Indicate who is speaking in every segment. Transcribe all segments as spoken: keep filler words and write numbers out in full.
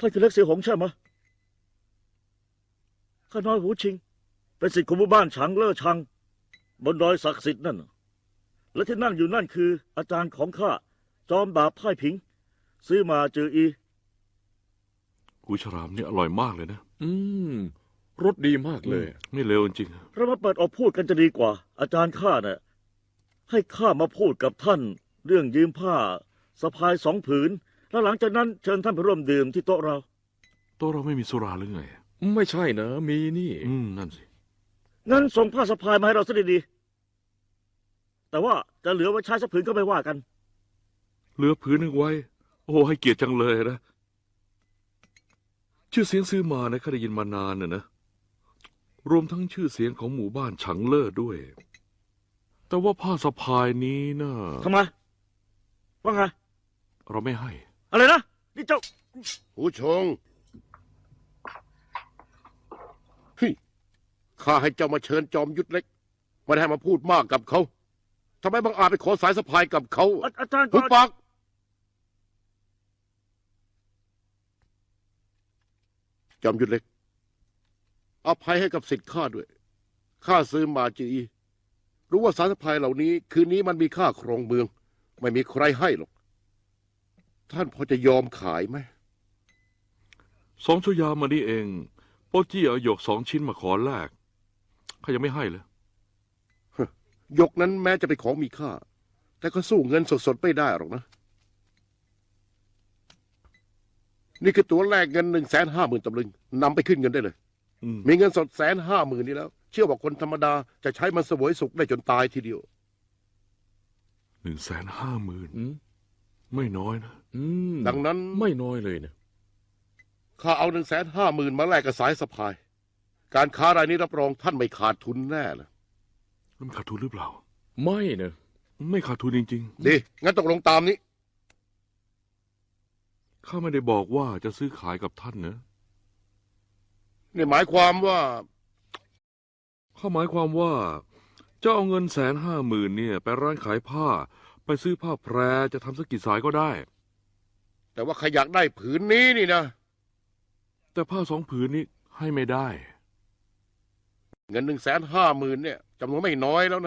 Speaker 1: ท่านคือเล็กเสียหงใช่ไหมข้าน้อยหูชิงเป็นศิษย์ของหมู่บ้านฉางเล่อชังบนดอยศักดิ์สิทธิ์นั่นและที่นั่งอยู่นั่นคืออาจารย์ของข้าจอมดาบพ่ายผิง ซื้อมาจืออี
Speaker 2: หูฉลามเนี่ยอร่อยมากเลยนะ
Speaker 3: อืมรสดีมากเลย
Speaker 2: ไม่เลวจริง
Speaker 1: เรามาเปิดออกพูดกันจะดีกว่า อาจารย์ข้าเนี่ยให้ข้ามาพูดกับท่านเรื่องยืมผ้าสะพายสองผืนแล้วหลังจากนั้นเชิญท่านไปร่วมดื่มที่โต๊ะเรา
Speaker 2: โต๊ะเราไม่มีสุราหรือไง
Speaker 3: ไม่ใช่นะมีนี่
Speaker 2: อืมนั่นสิ
Speaker 1: งั้นส่งผ้าสะพายมาให้เราซะดีๆแต่ว่าจะเหลือไว้ใช้สักผืนก็ไม่ว่ากัน
Speaker 2: เหลือผืนหนึ่งไว้โอ้ให้เกียรติจังเลยนะชื่อเสียงซื้อมานะข้าได้ยินมานานน่ะนะรวมทั้งชื่อเสียงของหมู่บ้านฉังเล่อด้วยแต่ว่าผ้าสะพายนี้นะ
Speaker 1: ทำไมว่าไง
Speaker 2: เราไม่ให้
Speaker 1: อะไรนะนี่เจ้า
Speaker 4: หูชงเฮ้ยข้าให้เจ้ามาเชิญจอมยุทธเล็กไม่ได้ให้มาพูดมากกับเขาทำไมบางอาจไปขอสายสะพายกับเขา
Speaker 1: อาจารย์
Speaker 4: หุบปากจอมยุทธเล็กอภัยให้กับสิทธิ์ข้าด้วยข้าซื้อมาจีรู้ว่าสายสะพายเหล่านี้คืนนี้มันมีค่าครองเมืองไม่มีใครให้หรอกท่านพอจะยอมขายไหม
Speaker 2: สองชั่วยามมานี่เองโปจี้เอาหยกสองชิ้นมาขอแลกข้ายังไม่ให้เลย
Speaker 4: หยกนั้นแม้จะเป็นของมีค่าแต่ก็สู้เงินสดๆไม่ได้หรอกนะนี่คือตัวแลกเงินหนึ่งแสนห้าหมื่นตำลึงนำไปขึ้นเงินได้เลยมีเงินสดแสนห้าหมื่นนี้แล้วเชื่อว่าคนธรรมดาจะใช้มันเสวยสุขได้จนตายทีเดียว
Speaker 2: หนึ่งแสนห้าหมื่นไม่น้อยนะ
Speaker 4: ดังนั้น
Speaker 3: ไม่น้อยเลยนะ
Speaker 4: ข้าเอาหนึ่งแสนห้าหมื่นมาแลกกับสายสะพายการค้ารายนี้รับรองท่านไม่ขาดทุนแน่เลย
Speaker 2: มันขาดทุนหรือเปล่า
Speaker 3: ไม่นะ
Speaker 2: ไม่ขาดทุนจริง
Speaker 4: ๆดีงั้นตกลงตามนี้
Speaker 2: ข้าไม่ได้บอกว่าจะซื้อขายกับท่านนะ
Speaker 4: นี่หมายความว่า
Speaker 2: ข้าหมายความว่าจะเอาเงินแสนห้าหมื่นเนี่ยไปร้านขายผ้าไปซื้อผ้าแพรจะทำสักกี่สายก็ได้
Speaker 4: แต่ว่าใครอยากได้ผืนนี้นี่นะ
Speaker 2: แต่ผ้าสองผืนนี้ให้ไม่ได้
Speaker 4: เงินหนึ่งแสนห้าหมื่นเนี่ยจำนวนไม่น้อยแล้วนะ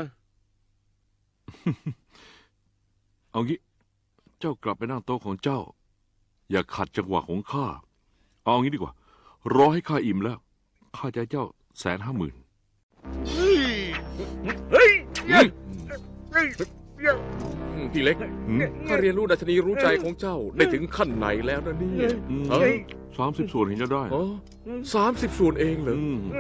Speaker 2: เอางี้เจ้ากลับไปนั่งโต๊ะของเจ้าอย่าขัดจังหวะของข้าเอางี้ดีกว่ารอให้ข้าอิ่มแล้วข้าจะให้เจ้าแสนห้าหมื่น
Speaker 1: เฮ้ย
Speaker 3: พี่เล็กข้าเรียนรู้ดัชนีรู้ใจของเจ้าได้ถึงขั้นไหนแล้วนะเนี่ย
Speaker 2: สามสิบส่วนเห็นจะได้
Speaker 3: สามสิบส่วนเองเหรอ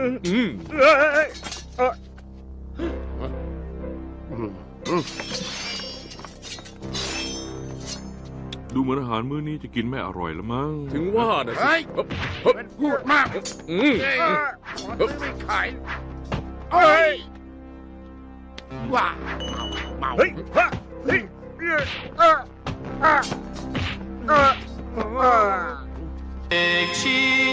Speaker 2: ดูเหมือนอาหารมื้อนี้จะกินไม่อร่อยแล้วมั้ง
Speaker 3: ถึงว่านะสิ
Speaker 4: มันพูดมากไม่ขายเฮ้ยว้าเมา
Speaker 1: เฮ้ยเฮ้ย
Speaker 5: เอกชี